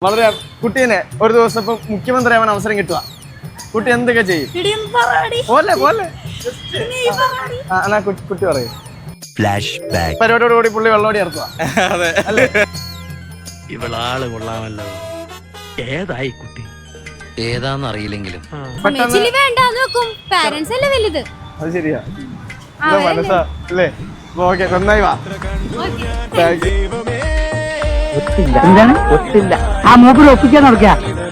വളരെ കുട്ടീനെ ഒരു ദിവസം ഇപ്പൊ മുഖ്യമന്ത്രിയാവാൻ അവസരം കിട്ടുക, കുട്ടി എന്തൊക്കെ ചെയ്യും? പോലെ പോലെ കുട്ടി പറയും. പരിപാടിയോടുകൂടി പുള്ളി വെള്ളോടി ഇറക്കുക. അതെ അല്ലേ? ഇവളാള് കൊള്ളാമല്ലോ. ഏതായി കുട്ടി? ഏതാന്ന് അറിയില്ലെങ്കിലും അത് ശരിയാ, മനസ്സാ അല്ലേ? ഓക്കെ, നന്നായി വാ. എന്താണ് ഒത്തില്ല ആ മൂപ്പിൽ ഒപ്പിക്കാൻ നടക്കുക.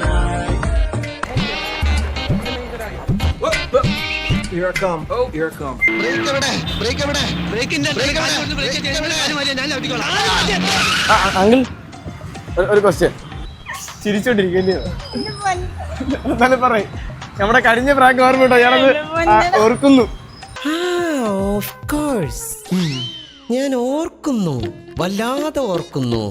അങ്കിൾ ഒരു ക്വസ്റ്റ്യൻ, ചിരിച്ചോണ്ടിരിക്കല്ലേ? എന്നാലും പറയും, നമ്മുടെ കഴിഞ്ഞ പ്രാങ്ക് ഓർമ്മ ഞാനത് ഓർക്കുന്നു. ഞാൻ ഓർക്കുന്നു, വല്ലാതെ ഓർക്കുന്നു.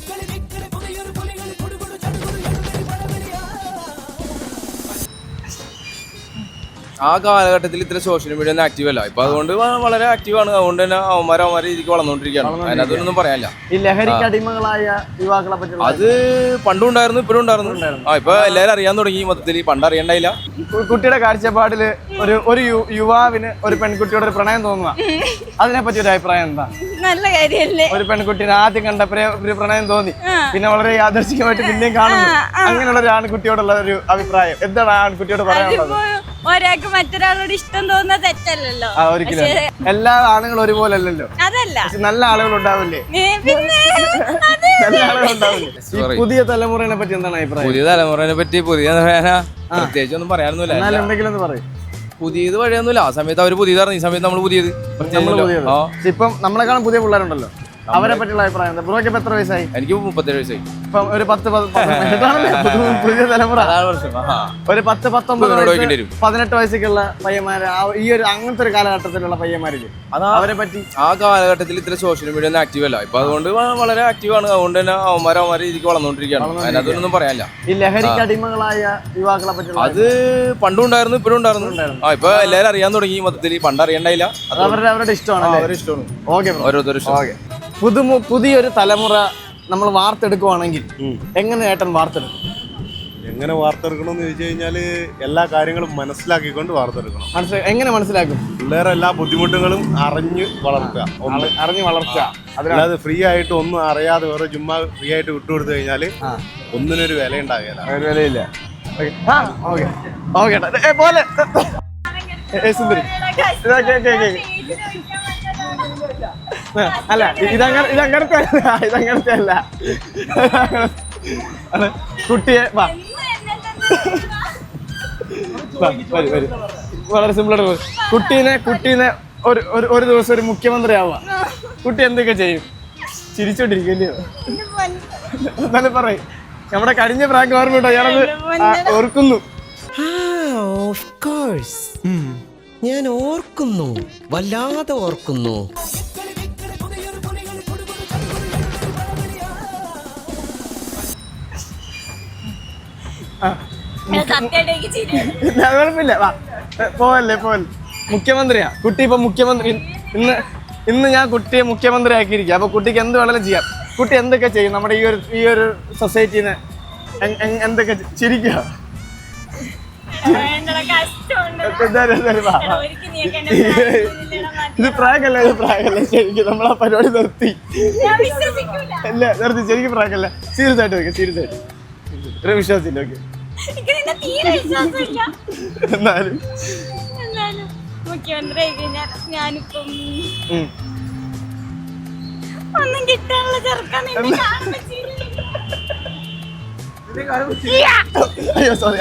ആ കാലഘട്ടത്തിൽ ഇത്ര സോഷ്യൽ മീഡിയ ഒന്നും ആക്റ്റീവ് അല്ല. ഇപ്പൊ അതുകൊണ്ട് വളരെ ആക്റ്റീവാണ്. അതുകൊണ്ട് തന്നെ അവന്മാരെ രീതിക്ക് വളർന്നുകൊണ്ടിരിക്കുകയാണ്. അതിനകത്തൊന്നും പറയാനില്ല. ഈ ലഹരിക്ക് അടിമകളായ യുവാക്കളെ പറ്റി അത് പണ്ടും ഉണ്ടായിരുന്നു, ഇപ്പോഴും ഉണ്ടായിരുന്നു. ഇപ്പൊ എല്ലാവരും അറിയാൻ തുടങ്ങി. മൊത്തത്തിൽ പണ്ട് അറിയണ്ടായില്ല. കുട്ടിയുടെ കാഴ്ചപ്പാടില് ഒരു യുവാവിന് ഒരു പെൺകുട്ടിയോട് ഒരു പ്രണയം തോന്നുക, അതിനെ പറ്റി ഒരു അഭിപ്രായം എന്താ? നല്ല കാര്യല്ലേ? ഒരു പെൺകുട്ടിനെ ആദ്യം കണ്ടപ്പോഴേ ഒരു പ്രണയം തോന്നി, പിന്നെ വളരെ യാദർശികമായിട്ട് പിന്നെയും കാണുന്നു, അങ്ങനെയുള്ള ഒരു ആൺകുട്ടിയോടുള്ള ഒരു അഭിപ്രായം എന്താണ് ആൺകുട്ടിയോട് പറയാനുള്ളത്? ഒരാൾക്ക് മറ്റൊരാളോട് ഇഷ്ടം തോന്നുന്നത് തെറ്റല്ലല്ലോ. ഒരിക്കലും എല്ലാ ആണുങ്ങളും ഒരുപോലെ അല്ലല്ലോ. അതല്ല, നല്ല ആളുകൾ ഉണ്ടാവില്ലേ? നല്ല ആളുകൾ ഉണ്ടാവില്ലേ? പുതിയ തലമുറയെ പറ്റി എന്താണ് അഭിപ്രായം? പുതിയ തലമുറയെ പറ്റി പ്രത്യേകിച്ച് ഒന്നും പറയാനൊന്നുമില്ല. എന്തെങ്കിലും ഒന്ന് പറയും. പുതിയത് വഴിയൊന്നുമില്ല. ആ സമയത്ത് അവര് പുതിയതായിരുന്നു, ഈ സമയത്ത് നമ്മള് പുതിയത്. ഇപ്പം നമ്മളെക്കാളും പുതിയ പിള്ളേരുണ്ടല്ലോ, അവരെ പറ്റിയുള്ള അഭിപ്രായം എന്താ? ബ്രോയ്ക്ക് എത്ര വയസ്സായി? എനിക്ക് 37 വയസ്സായി. ഇപ്പം ഒരു 10 തലമുറ ഒരു 10-19 വയസ്സൊക്കെയുള്ള പയ്യന്മാര്, ഈ ഒരു അങ്ങനത്തെ ഒരു കാലഘട്ടത്തിലുള്ള പയ്യന്മാരില് അവരെ പറ്റി. ആ കാലഘട്ടത്തിൽ ഇത്ര സോഷ്യൽ മീഡിയ ഒന്നും ആക്റ്റീവ് അല്ല. ഇപ്പൊ അതുകൊണ്ട് വളരെ ആക്റ്റീവാണ്. അതുകൊണ്ട് തന്നെ അവന്മാരെ രീതിക്ക് വളർന്നുകൊണ്ടിരിക്കുകയാണ്. അതിനകത്തൊന്നും പറയാനില്ല. ഈ ലഹരിക്ക് അടിമകളായ യുവാക്കളെ പറ്റി അത് പണ്ടും ഉണ്ടായിരുന്നു, ഇപ്പോഴും ഉണ്ടായിരുന്നു. ഇപ്പൊ എല്ലാവരും അറിയാൻ തുടങ്ങി. മൊത്തത്തിൽ പണ്ട് അറിയണ്ടായില്ല. അവരുടെ ഇഷ്ടമാണ്. അവരുടെ ഇഷ്ടമാണ്. ഓക്കെ, ഓരോരുത്തരും ഇഷ്ടം. പുതിയൊരു തലമുറ നമ്മൾ വാർത്തെടുക്കുവാണെങ്കിൽ എങ്ങനെ ഏട്ടൻ വാർത്തെടുക്കും? എങ്ങനെ വാർത്തെടുക്കണമെന്ന് ചോദിച്ചു കഴിഞ്ഞാല് എല്ലാ കാര്യങ്ങളും മനസ്സിലാക്കിക്കൊണ്ട് വാർത്തെടുക്കണം. എങ്ങനെ മനസ്സിലാക്കും? പിള്ളേരെ എല്ലാ ബുദ്ധിമുട്ടുകളും അറിഞ്ഞ് വളർത്തുക, അറിഞ്ഞ് വളർത്തുക. അല്ലാതെ ഫ്രീ ആയിട്ട് ഒന്നും അറിയാതെ വേറെ ചുമ്മാ ഫ്രീ ആയിട്ട് വിട്ടുകൊടുത്തു കഴിഞ്ഞാല് ഒന്നിനൊരു വില ഉണ്ടാകില്ല. വിലയില്ല. പോലെ അല്ല, ഇതങ്ങനത്തെ അല്ല. കുട്ടിയെ വളരെ സിമ്പിളായിട്ട് കുട്ടീനെ ഒരു ദിവസം ഒരു മുഖ്യമന്ത്രി ആവുക, കുട്ടി എന്തൊക്കെ ചെയ്യും? ചിരിച്ചോണ്ടിരിക്കല്ലേ? എന്നാലും പറയും, നമ്മുടെ കഴിഞ്ഞ പ്രാങ്ക് ഓർമ്മ ഞാനത് ഓർക്കുന്നു. ഞാൻ ഓർക്കുന്നു, വല്ലാതെ ഓർക്കുന്നു. കുഴപ്പമില്ല, പോവല്ലേ. മുഖ്യമന്ത്രിയാ കുട്ടി. ഇപ്പൊ മുഖ്യമന്ത്രി ഇന്ന് ഞാൻ കുട്ടിയെ മുഖ്യമന്ത്രി ആക്കിയിരിക്കുക. അപ്പൊ കുട്ടിക്ക് എന്ത് വേണമെങ്കിലും ചെയ്യാം. കുട്ടി എന്തൊക്കെ ചെയ്യും നമ്മുടെ ഈ ഒരു സൊസൈറ്റിനെ? എന്തൊക്കെ ചിരിക്കുക? ഇത് പ്രാങ്കല്ല, ശരിക്കും നമ്മളാ പരിപാടി നിർത്തി. അല്ല, നിർത്തി. ശരിക്കും പ്രാങ്കല്ല, സീരിയസ് ആയിട്ട് വെക്കാം. സീരിയസ് ആയിട്ട് ഒരു വിശ്വാസമില്ല. ഓക്കെ, എന്നാലും മുഖ്യമന്ത്രി ഞാനിപ്പം ഒന്നും കിട്ടാനുള്ള ചെറുക്കാൻ. അയ്യോ സോറി.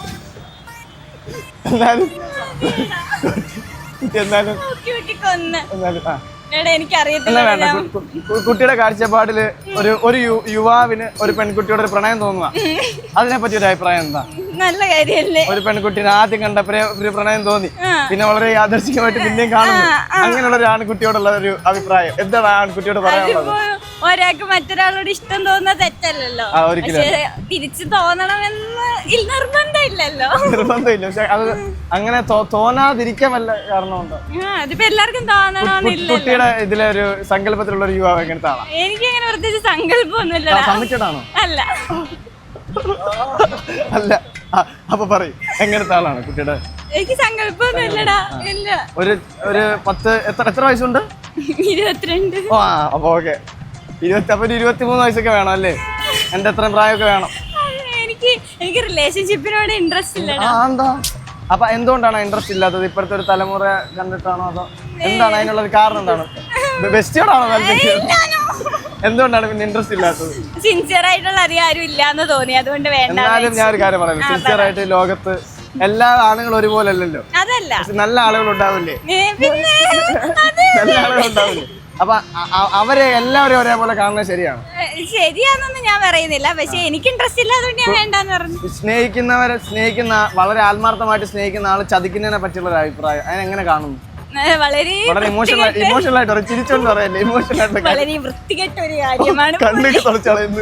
കുട്ടിയുടെ കാഴ്ചപ്പാടില് ഒരു യുവാവിന് ഒരു പെൺകുട്ടിയോട് ഒരു പ്രണയം തോന്നുക, അതിനെ പറ്റി ഒരു അഭിപ്രായം എന്താ? നല്ല കാര്യല്ലേ? ഒരു പെൺകുട്ടിനെ ആദ്യം കണ്ടപ്പോഴേ ഒരു പ്രണയം തോന്നി, പിന്നെ വളരെ യാദർശികമായിട്ട് പിന്നെയും കാണുന്നു, അങ്ങനെയുള്ള ഒരു ആൺകുട്ടിയോടുള്ള ഒരു അഭിപ്രായം എന്താണ് ആൺകുട്ടിയോട് പറയാനുള്ളത്? ഒരാൾക്ക് മറ്റൊരാളോട് ഇഷ്ടം തോന്നുന്നത് തെറ്റല്ലല്ലോ. തിരിച്ചു തോന്നണമെന്ന് നിർബന്ധമില്ലല്ലോ. നിർബന്ധമില്ല, പക്ഷെ അത് അങ്ങനെ തോന്നാതിരിക്കാൻ വല്ല കാരണമുണ്ടോ? അതിപ്പോ എല്ലാവർക്കും തോന്നണമെന്നില്ല. കുട്ടിയുടെ ഇതിലെ ഒരു സങ്കല്പത്തിലുള്ള ഒരു യുവാവ് എങ്ങനത്തെ ആളാ? എനിക്ക് അങ്ങനെ പ്രത്യേകിച്ച് സങ്കല്പമൊന്നുമില്ല. കമ്മിറ്റഡ് ആണോ? അല്ല, അല്ല അപ്പൊ പറയും എങ്ങനത്തെ ആളാണ് കുട്ടിയുടെ? എനിക്ക് സങ്കല്പമൊന്നും ഇല്ലടാ. ഇല്ല. ഒരു 10 എത്ര വയസ്സുണ്ട്? 22. ആ അപ്പൊ ഓക്കെ. 23 വയസ്സൊക്കെ വേണം അല്ലേ? എന്റെ എത്ര പ്രായമൊക്കെ വേണം? എനിക്ക് റിലേഷൻഷിപ്പിനോട് ഇൻട്രസ്റ്റ് ഇല്ലടാ. എന്താ? അപ്പൊ എന്തുകൊണ്ടാണ് ഇൻട്രസ്റ്റ് ഇല്ലാത്തത്? ഇപ്പോഴത്തെ ഒരു തലമുറ കണ്ടിട്ടാണോ അതോ എന്താണ് അതിനുള്ളൊരു കാരണം? എന്താണ്? ബെസ്റ്റിയോടാണോ താല്പര്യം? എന്തുകൊണ്ടാണ് പിന്നെ ഇൻട്രസ്റ്റ് ഇല്ലാത്തത്? സിൻസിയർ ആയിട്ടുള്ള അധികം ആരും ഇല്ലാന്ന് തോന്നി, അതുകൊണ്ട് വേണ്ട. എന്നാലും ഞാൻ ഒരു കാര്യം പറയുന്നത്, സിൻസിയർ ആയിട്ട് ലോകത്ത് എല്ലാ ആണുങ്ങളും ഒരുപോലെ അല്ലല്ലോ. അതല്ല, നല്ല ആളുകൾ ഉണ്ടാവില്ലേ? പിന്നെ നല്ല ആളുകൾ ഉണ്ടാവില്ലേ? അപ്പൊ അവരെ എല്ലാവരും ഒരേപോലെ കാണുന്നത് ശരിയാണ്? ശരിയാണെന്നൊന്നും ഞാൻ പറയുന്നില്ല, പക്ഷെ എനിക്ക് ഇൻട്രസ്റ്റ് ഇല്ല, അതുകൊണ്ട് ഞാൻ വേണ്ടെന്ന് പറഞ്ഞു. സ്നേഹിക്കുന്ന വളരെ ആത്മാർത്ഥമായിട്ട് സ്നേഹിക്കുന്ന ആള് ചതിക്കുന്നതിനെ പറ്റിയുള്ള ഒരു അഭിപ്രായം അതിനെങ്ങനെ കാണുന്നു? വളരെ ഇമോഷണൽ ആയിട്ട് ചിരിച്ചോണ്ട് പറയല്ലേ, ഇമോഷണൽ ആയിട്ട് വളരെ വൃത്തികെട്ട ഒരു കാര്യമാണ്. കണ്ണൊക്കെ തുറച്ചളയുന്നു.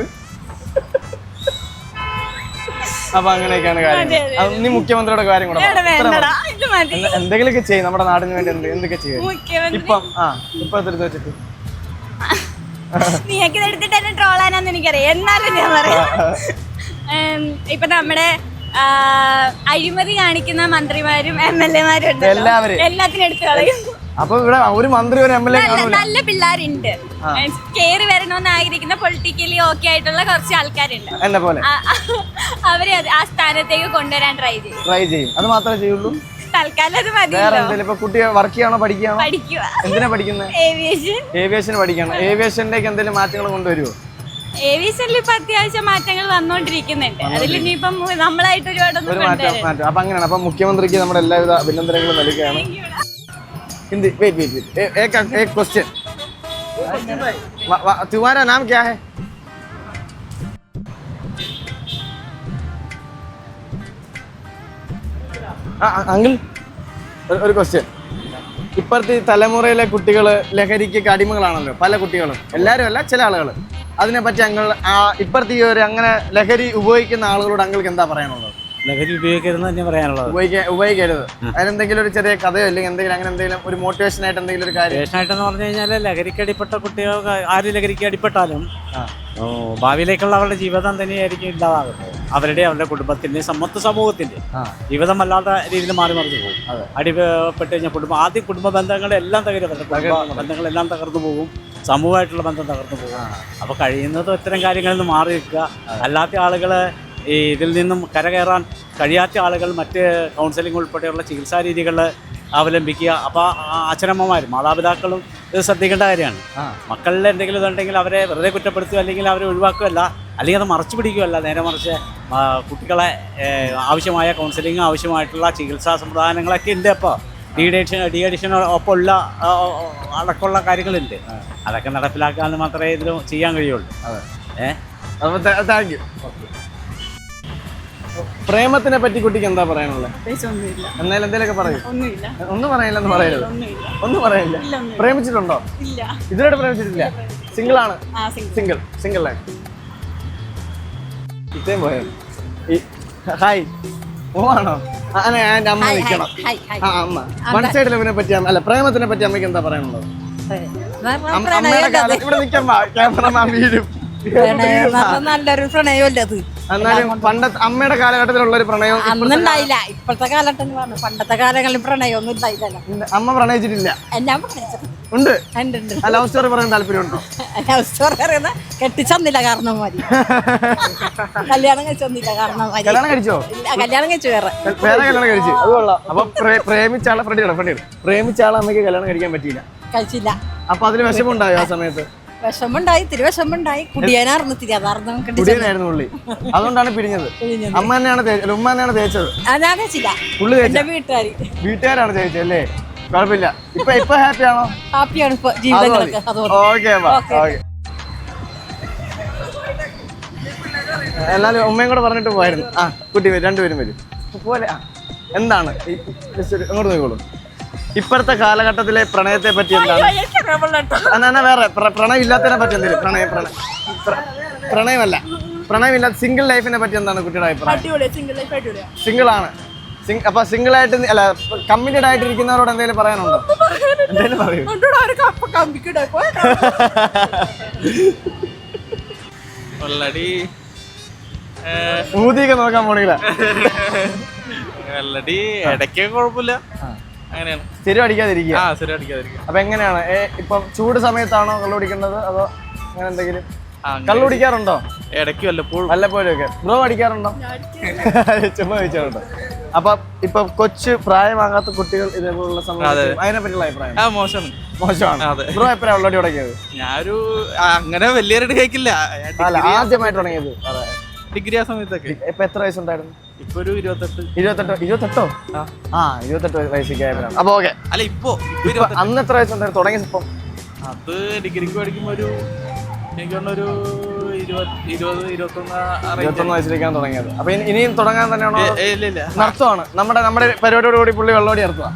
അപ്പൊ അങ്ങനെയൊക്കെയാണ് കാര്യങ്ങൾ. നീ മുഖ്യമന്ത്രിയുടെ കാര്യം കൂടെ എന്തെങ്കിലുമൊക്കെ ചെയ്യും നമ്മുടെ നാടിന് വേണ്ടി. എന്തൊക്കെ ചെയ്യും ഇപ്പം? ഇപ്പത്തെ വെച്ചിട്ട് നീയൊക്കെ എടുത്തിട്ട് എന്നെ ട്രോളാനാന്ന് എനിക്കറിയാം, എന്നാലും ഞാൻ പറയാം. ഇപ്പൊ നമ്മുടെ അഴിമതി കാണിക്കുന്ന മന്ത്രിമാരും MLA മാരും ഉണ്ട്, എല്ലാത്തിനും എടുത്തു കളയും. അപ്പൊ ഇവിടെ ഒരു മന്ത്രി ഒരു MLA നല്ല പിള്ളേരുണ്ട്, കേറി വരണമെന്ന് ആഗ്രഹിക്കുന്ന പൊളിറ്റിക്കലി ഓക്കെ ആയിട്ടുള്ള കുറച്ച് ആൾക്കാരുണ്ട്, എന്നെ പോലെ. അവരെ ആ സ്ഥാനത്തേക്ക് കൊണ്ടുവരാൻ ട്രൈ ചെയ്യും. അത് മാത്രമേ ചെയ്യുള്ളൂ. തൽക്കാലം അത് മതി. ഇപ്പൊ കുട്ടി വർക്ക് ചെയ്യാണോ പഠിക്കുകയാണോ? പഠിക്കുക. എന്തിനാ പഠിക്കുന്നത്? ഏവിയേഷൻ പഠിക്കണം. ഏവിയേഷനിലേക്ക് എന്തെങ്കിലും മാറ്റങ്ങൾ കൊണ്ടുവരുമോ? ഏവിയേഷനിൽ ഇപ്പൊ അത്യാവശ്യം മാറ്റങ്ങൾ വന്നുകൊണ്ടിരിക്കുന്നുണ്ട്. അതിൽ ഇനിയിപ്പം നമ്മളായിട്ട് ഒരുപാടൊന്നും മാറ്റം. അപ്പൊ അങ്ങനെയാണ്. അപ്പൊ മുഖ്യമന്ത്രിക്ക് നമ്മുടെ എല്ലാവിധ അഭിനന്ദനങ്ങളും നൽകുകയാണ്. हिंदी वेट एक क्वेश्चन तुम्हारा नाम क्या है? അങ്കിൾ ഒരു ക്വസ്റ്റ്യൻ. ഇപ്പോഴത്തെ തലമുറയിലെ കുട്ടികൾ ലഹരിക്ക് അടിമകളാണല്ലോ, പല കുട്ടികളും, എല്ലാവരും അല്ല, ചില ആളുകൾ. അതിനെപ്പറ്റി അങ്കിൾ ഇപ്പോഴത്തെ ഈ ഒരു അങ്ങനെ ലഹരി ഉപയോഗിക്കുന്ന ആളുകളോട് അങ്കിൾക്ക് എന്താ പറയാനുള്ളത്? ലഹരി ഉപയോഗിക്കരുതെന്ന് തന്നെ പറയാനുള്ളത്. ഉപയോഗിക്കരുത്. അതിനെന്തെങ്കിലും ഒരു ചെറിയ കഥയോ അല്ലെങ്കിൽ എന്തെങ്കിലും അങ്ങനെ എന്തെങ്കിലും ഒരു മോട്ടിവേഷൻ ആയിട്ട് എന്തെങ്കിലും ഒരു കാര്യം? മോട്ടിവേഷനായിട്ടെന്ന് പറഞ്ഞു കഴിഞ്ഞാൽ ലഹരിക്ക് അടിപ്പെട്ട കുട്ടികൾക്ക് ആര് ലഹരിക്ക് അടിപ്പെട്ടാലും ഭാവിയിലേക്കുള്ള അവരുടെ ജീവിതം തന്നെയായിരിക്കും ഇല്ലാതാകുന്നത്. അവരുടെ കുടുംബത്തിൻ്റെയും സമൂഹത്തിൻ്റെ ജീവിതം വല്ലാത്ത രീതിയിൽ മാറി മറിഞ്ഞു പോകും. അടിപ്പെട്ട് കഴിഞ്ഞാൽ ആദ്യം കുടുംബ ബന്ധങ്ങളെല്ലാം ബന്ധങ്ങളെല്ലാം തകർന്നു പോകും, സമൂഹമായിട്ടുള്ള ബന്ധം തകർന്നു പോകും. അപ്പോൾ കഴിയുന്നതും ഇത്തരം കാര്യങ്ങളിൽ നിന്ന് മാറി നിൽക്കുക. അല്ലാത്ത ആളുകൾ ഇതിൽ നിന്നും കരകയറാൻ കഴിയാത്ത ആളുകൾ മറ്റ് കൗൺസിലിംഗ് ഉൾപ്പെടെയുള്ള ചികിത്സാ രീതികൾ അവലംബിക്കുക. അപ്പോൾ അച്ഛനമ്മമാരും മാതാപിതാക്കളും ഇത് ശ്രദ്ധിക്കേണ്ട കാര്യമാണ്. മക്കളിൽ എന്തെങ്കിലും ഇതുണ്ടെങ്കിൽ അവരെ വെറുതെ കുറ്റപ്പെടുത്തുക അല്ലെങ്കിൽ അവരെ ഒഴിവാക്കുകയല്ല, അല്ലെങ്കിൽ അത് മറച്ചു പിടിക്കുകയല്ല, നേരെ മറിച്ച് കുട്ടികളെ ആവശ്യമായ കൗൺസിലിംഗ്, ആവശ്യമായിട്ടുള്ള ചികിത്സാ സംവിധാനങ്ങളൊക്കെ ഉണ്ട്. അപ്പോൾ ഡി അഡിഷൻ ഒപ്പമുള്ള അടക്കമുള്ള കാര്യങ്ങളുണ്ട്. അതൊക്കെ നടപ്പിലാക്കാൻ മാത്രമേ ഇതിൽ ചെയ്യാൻ കഴിയുള്ളൂ. Thank you. പ്രേമത്തിനെ പറ്റി കുട്ടിക്ക് എന്താ പറയാനുള്ളത്? എന്നാലും എന്തെങ്കിലുമൊക്കെ പറയും. ഒന്നും പറയില്ലെന്ന് പറയരുത്. ഒന്നും പറയില്ല. പ്രേമിച്ചിട്ടുണ്ടോ? ഇതിലൂടെ പ്രേമിച്ചിട്ടില്ല. സിംഗിൾ ആണ്? Single life. ഇത്രയും പോയത്. ഹായ് ഓണോ? എൻ്റെ അമ്മ നിൽക്കണം. അമ്മ വൺ സൈഡ് ലവിനെ പറ്റി അല്ല പ്രേമത്തിനെ പറ്റി അമ്മയ്ക്ക് എന്താ പറയാനുള്ളത്? അമ്മയുടെ കാലം ഇവിടെ നിൽക്കാൻ ക്യാമറമാൻ വീഴും. നല്ലൊരു പ്രണയമല്ലേ അത്? എന്നാലും പണ്ടത്തെ അമ്മയുടെ കാലഘട്ടത്തിലുള്ള ഒരു പ്രണയം അന്നുണ്ടായില്ല. ഇപ്പോഴത്തെ കാലഘട്ടം പണ്ടത്തെ കാലങ്ങളിൽ പ്രണയമൊന്നും ഉണ്ടായില്ലല്ലോ. അമ്മ പ്രണയിച്ചിട്ടില്ല? ഉണ്ട്. ലവ് സ്റ്റോറി പറയാൻ താല്പര്യമുണ്ടോ? ലവ് സ്റ്റോറി പറയുന്ന കെട്ടിച്ചന്നില്ല കാരണം മതി. കല്യാണം കഴിച്ചൊന്നില്ല കാരണം മതി. കല്യാണം കഴിച്ചോ? കല്യാണം കഴിച്ചു വേറെ കല്യാണം കഴിച്ചു. അത് കൊള്ളാം. അപ്പൊ പ്രേമിച്ചാളെ പ്രേമിച്ചാളെ അമ്മയ്ക്ക് കല്യാണം കഴിക്കാൻ പറ്റിയില്ല, കഴിച്ചില്ല. അപ്പൊ അതിന് വിഷമമുണ്ടായോ ആ സമയത്ത്? വിഷമുണ്ടായി, തിരി വിഷമുണ്ടായി. കുടിയാനായിരുന്നു തിരി, അതായിരുന്നു കുടിയനായിരുന്നു പുള്ളി. അതുകൊണ്ടാണ് പിരിഞ്ഞത്. അമ്മ തന്നെയാണ് ഉമ്മ തന്നെയാണ് തേച്ചത്? ഞാൻ തേച്ചില്ല, പുള്ളി തേച്ച. വീട്ടുകാരാണ് തേച്ചത് അല്ലേ? കുഴപ്പമില്ല. ഇപ്പൊ ഹാപ്പി ആണോ? ഹാപ്പിയാണ് ഇപ്പൊ ജീവിതങ്ങളൊക്കെ. ഓക്കെ. എല്ലാരും ഉമ്മയും കൂടെ പറഞ്ഞിട്ട് പോയായിരുന്നു. കുട്ടി രണ്ടുപേരും വരും പോലെ. എന്താണ് അങ്ങോട്ട് നോക്കോളൂ. ഇപ്പോഴത്തെ കാലഘട്ടത്തിലെ പ്രണയത്തെ പറ്റി എന്താണ്? വേറെ പ്രണയം ഇല്ലാത്തതിനെ പറ്റി എന്തെങ്കിലും? പ്രണയമല്ല, പ്രണയമില്ലാത്ത സിംഗിൾ ലൈഫിനെ പറ്റി എന്താണ് കുട്ടിയുടെ അഭിപ്രായം? സിംഗിൾ ആണ്. അപ്പൊ സിംഗിൾ ആയിട്ട് അല്ല കമ്മിറ്റഡ് ആയിട്ട് ഇരിക്കുന്നവരോട് എന്തെങ്കിലും പറയാനുണ്ടോ? എന്തെങ്കിലും പറയൂ. ഊതിയൊക്കെ നോക്കാൻ പോണില്ല. മെലഡി ഇടയ്ക്ക് കുഴപ്പമില്ല, അങ്ങനെയാണ്. സ്ഥിരം അടിക്കാതിരിക്കുക. ശരി അടിക്കാതിരിക്കും. അപ്പൊ എങ്ങനെയാണ് ഇപ്പം ചൂട് സമയത്താണോ കള്ളു കുടിക്കേണ്ടത് അതോ അങ്ങനെ എന്തെങ്കിലും? കള്ളു കുടിക്കാറുണ്ടോ? ഇടയ്ക്ക് വല്ലപ്പോഴും ഒക്കെ. ബ്രോ അടിക്കാറുണ്ടോ? ചുമ്മാ ചോദിച്ചോട്ടോ. അപ്പൊ ഇപ്പൊ കൊച്ചു പ്രായമാകാത്ത കുട്ടികൾ ഇതേപോലുള്ള സമയത്ത് അതിനെ പറ്റിയുള്ള അഭിപ്രായം മോശമാണ്. ബ്രോ എപ്പോഴാണ് ഉള്ളടി തുടങ്ങിയത്? ഞാനൊരു അങ്ങനെ വലിയൊരു കേക്കില്ല, അല്ല ആദ്യമായിട്ട് തുടങ്ങിയത് ഡിഗ്രി ആ സമയത്തൊക്കെ. ഇപ്പൊ എത്ര വയസ്സുണ്ടായിരുന്നു? ഇപ്പൊ ഒരു 28. 28? 28 വയസ്സൊക്കെയായിരുന്നു. അപ്പൊ ഓക്കെ. അല്ല ഇപ്പൊ അന്ന് എത്ര വയസ്സുണ്ടായിരുന്നു തുടങ്ങിയ? ഇപ്പം അത് ഡിഗ്രിക്ക് പഠിക്കുമ്പോ ഒരു എനിക്ക് ഒരു 21 വയസ്സിലേക്കാണ് തുടങ്ങിയത്. അപ്പൊ ഇനിയും തുടങ്ങാൻ തന്നെയാണോ? ഇല്ല, നടത്തുവാണ്. നമ്മുടെ പരിപാടിയോട് കൂടി പുള്ളി വെള്ളോടി നടത്തുക.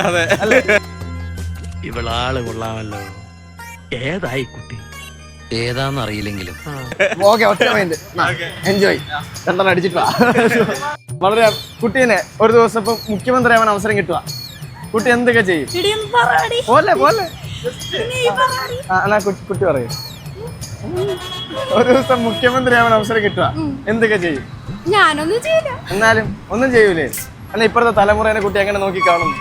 ഇവളാള് കൊള്ളാമല്ലോ. ഏതായി കുട്ടി? ഏതാന്നറിയില്ലെങ്കിലും ഓക്കെ, ഒറ്റ മൈൻഡ്. എൻജോയ്. രണ്ടെണ്ണം അടിച്ചിട്ട് വാ. വളരെ കുട്ടീനെ ഒരു ദിവസം ഇപ്പൊ മുഖ്യമന്ത്രി ആവാൻ അവസരം കിട്ടുക, കുട്ടി എന്തൊക്കെ ചെയ്യും? പോലെ എന്നാ കുട്ടി പറയും. ഒരു ദിവസം മുഖ്യമന്ത്രി ആവാൻ അവസരം കിട്ടുക എന്തൊക്കെ ചെയ്യും? ഞാനൊന്നും ചെയ്യില്ല. എന്നാലും ഒന്നും ചെയ്യൂലേ? അല്ല ഇപ്പോഴത്തെ തലമുറേനെ കുട്ടി എങ്ങനെ നോക്കി കാണുന്നു?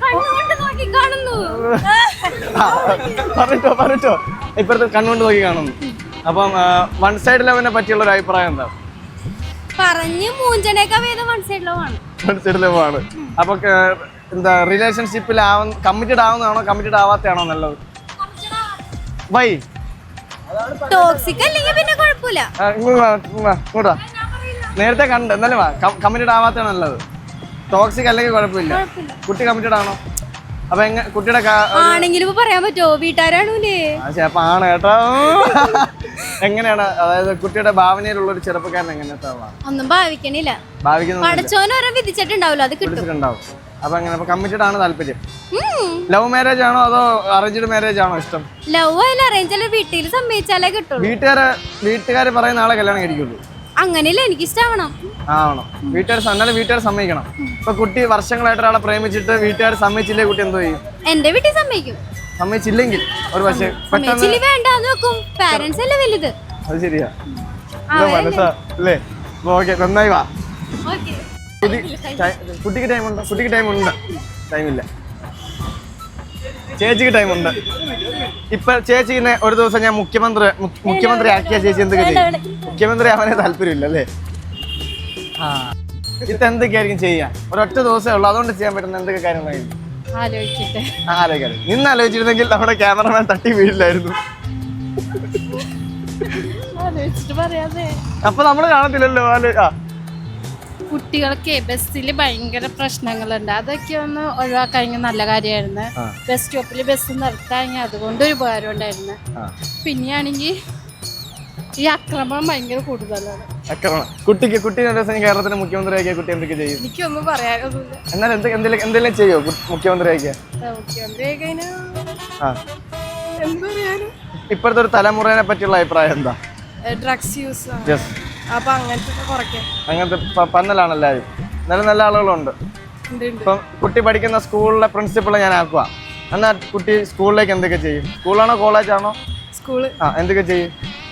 പറഞ്ഞിട്ടോ ഇപ്പോഴത്തെ കണ്ണുകൊണ്ട് നോക്കി കാണുന്നു. അപ്പം വൺ സൈഡ് ലവിനെ പറ്റിയുള്ള ഒരു അഭിപ്രായം എന്താ? പറഞ്ഞു മൂഞ്ചനേക്കാ വേദം വൺ സൈഡ് ലവാണ്. വൺ സൈഡ് ലവാണ്. അപ്പൊ എന്താ റിലേഷൻഷിപ്പിൽ കമ്മിറ്റഡ് ആവുന്നതാണോ കമ്മിറ്റഡ് ആവാത്തതാണോ നല്ലത്? വൈ? ടോക്സിക് അല്ലെങ്കിൽ പിന്നെ കുഴപ്പമില്ല. ഇങ്ങോട്ടാ, നേരത്തെ കണ്ട് എന്നാലും കമ്മിറ്റഡ് ആവാത്തതാണ് നല്ലത്. ടോക്സിക് അല്ലെങ്കിൽ കുഴപ്പമില്ല. കുട്ടി കമ്മിറ്റഡ് ആണോ? അപ്പൊ കുട്ടിയുടെ ആണെങ്കിലും പറയാൻ പറ്റുമോ? വീട്ടുകാരാണൂലേ. അപ്പൊ ആണ് കേട്ടോ. എങ്ങനെയാണ്, അതായത് കുട്ടിയുടെ ഭാവനയിലുള്ള ഒരു ചെറുപ്പക്കാരൻ എങ്ങനെയാ? ഒന്നും ഭാവിക്കണില്ല. പഠിച്ചോനോരോ വിധിച്ചിട്ടുണ്ടാവില്ല, അത് കിട്ടും. അപ്പൊ അങ്ങനെ കമ്മിറ്റഡ് ആണ് താല്പര്യം. ലവ് മാരേജ് ആണോ അതോ അറേഞ്ച്ഡ് മാരേജ് ആണോ ഇഷ്ടം? ലവ് ആയാലും അറേഞ്ച് ആയാലും വീട്ടിൽ സമ്മതിച്ചാലേ കിട്ടുള്ളൂ. വീട്ടുകാര് പറയുന്ന ആളെ കല്യാണം കഴിക്കുള്ളൂ. അങ്ങനെയല്ല, എനിക്ക് ഇഷ്ടമാവണം. ആവണം. വീട്ടുകാർ സമ്മതിക്കണം. ഇപ്പൊ കുട്ടി വർഷങ്ങളായിട്ട് ഒരാളെ പ്രേമിച്ചിട്ട് വീട്ടുകാർ സമ്മതിച്ചില്ലേ, കുട്ടി എന്തോ ചെയ്യും? എന്റെ വീട്ടിൽ സമ്മതിക്കും. സമ്മതിച്ചില്ലെങ്കിൽ ഒരു പക്ഷേ വേണ്ടാന്ന് വെക്കും. പാരന്റ്സ് അല്ലേ വലുത്. അത് ശരിയാ, മനസ്സാ അല്ലേ? ഓക്കെ, നന്നായി വാ. കുട്ടിക്ക് ടൈമുണ്ടോ? കുട്ടിക്ക് ടൈമുണ്ട്. ടൈമില്ല. ചേച്ചിക്ക് ടൈമുണ്ട്. ഇപ്പൊ ചേച്ചിനെ ഒരു ദിവസം ഞാൻ മുഖ്യമന്ത്രി ആക്കിയ ചേച്ചി എന്തൊക്കെ ചെയ്യും? മുഖ്യമന്ത്രി ആവാനേ താല്പര്യമില്ല അല്ലേ? ഇത് എന്തൊക്കെയായിരിക്കും ചെയ്യാൻ? ഒരൊറ്റ ദിവസമേ ഉള്ളൂ, അതുകൊണ്ട് ചെയ്യാൻ പറ്റുന്ന എന്തൊക്കെ കാര്യങ്ങളായിരിക്കും? ആലോചിക്കാറ്. നിന്ന് ആലോചിച്ചിരുന്നെങ്കിൽ നമ്മുടെ ക്യാമറമാൻ തട്ടി വീഴില്ലായിരുന്നു. അപ്പൊ നമ്മള് കാണത്തില്ലല്ലോ. കുട്ടികൾക്ക് ബസ്സിൽ ഭയങ്കര പ്രശ്നങ്ങളുണ്ട്, അതൊക്കെ ഒന്ന് ഒഴിവാക്കാൻ നല്ല കാര്യമായിരുന്നു. ബസ് സ്റ്റോപ്പിൽ ബസ് നിർത്താൻ അതുകൊണ്ട് ഒരു ഉപകാരം ഉണ്ടായിരുന്നു. പിന്നെയാണെങ്കിൽ ഈ ആക്രമണം ഭയങ്കര കൂടുതലാണ്. കുട്ടീനെ കേരളത്തിന്റെ മുഖ്യമന്ത്രി ആക്കിയ കുട്ടി എന്തൊക്കെ ചെയ്യും? എനിക്കൊന്നും പറയാനൊന്നുമില്ല. എന്നാലും എന്തെങ്കിലും ചെയ്യോ മുഖ്യമന്ത്രി ആക്കിയ? ഇപ്പോഴത്തെ ഒരു തലമുറയെ പറ്റിയുള്ള അഭിപ്രായം എന്താ? ഡ്രഗ്സ് യൂസ്, അപ്പൊ അങ്ങനത്തെ പന്നലാണ് എല്ലാവരും. നല്ല ആളുകളുണ്ട്. ഇപ്പം കുട്ടി പഠിക്കുന്ന സ്കൂളിലെ പ്രിൻസിപ്പളെ ഞാൻ ആക്കുക. എന്നാൽ കുട്ടി സ്കൂളിലേക്ക് എന്തൊക്കെ ചെയ്യും? സ്കൂളാണോ കോളേജാണോ? സ്കൂള്. എന്തൊക്കെ ചെയ്യും?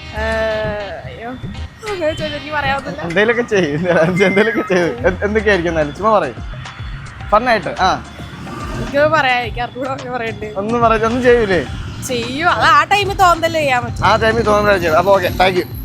എന്തെങ്കിലുമൊക്കെ ചെയ്യും. എന്തൊക്കെയായിരിക്കും എന്നാലും ചുമ്മാ പറയും. ഫണ്ണായിട്ട്. ഒന്നും ചെയ്യൂലേ? ചെയ്യും. അത് ആ ടൈമിൽ തോന്നലേ ചെയ്യാൻ പറ്റും. ആ ടൈമിൽ തോന്നുന്നതല്ലേ ചെയ്യും. അപ്പൊ ഓക്കെ, താങ്ക് യു.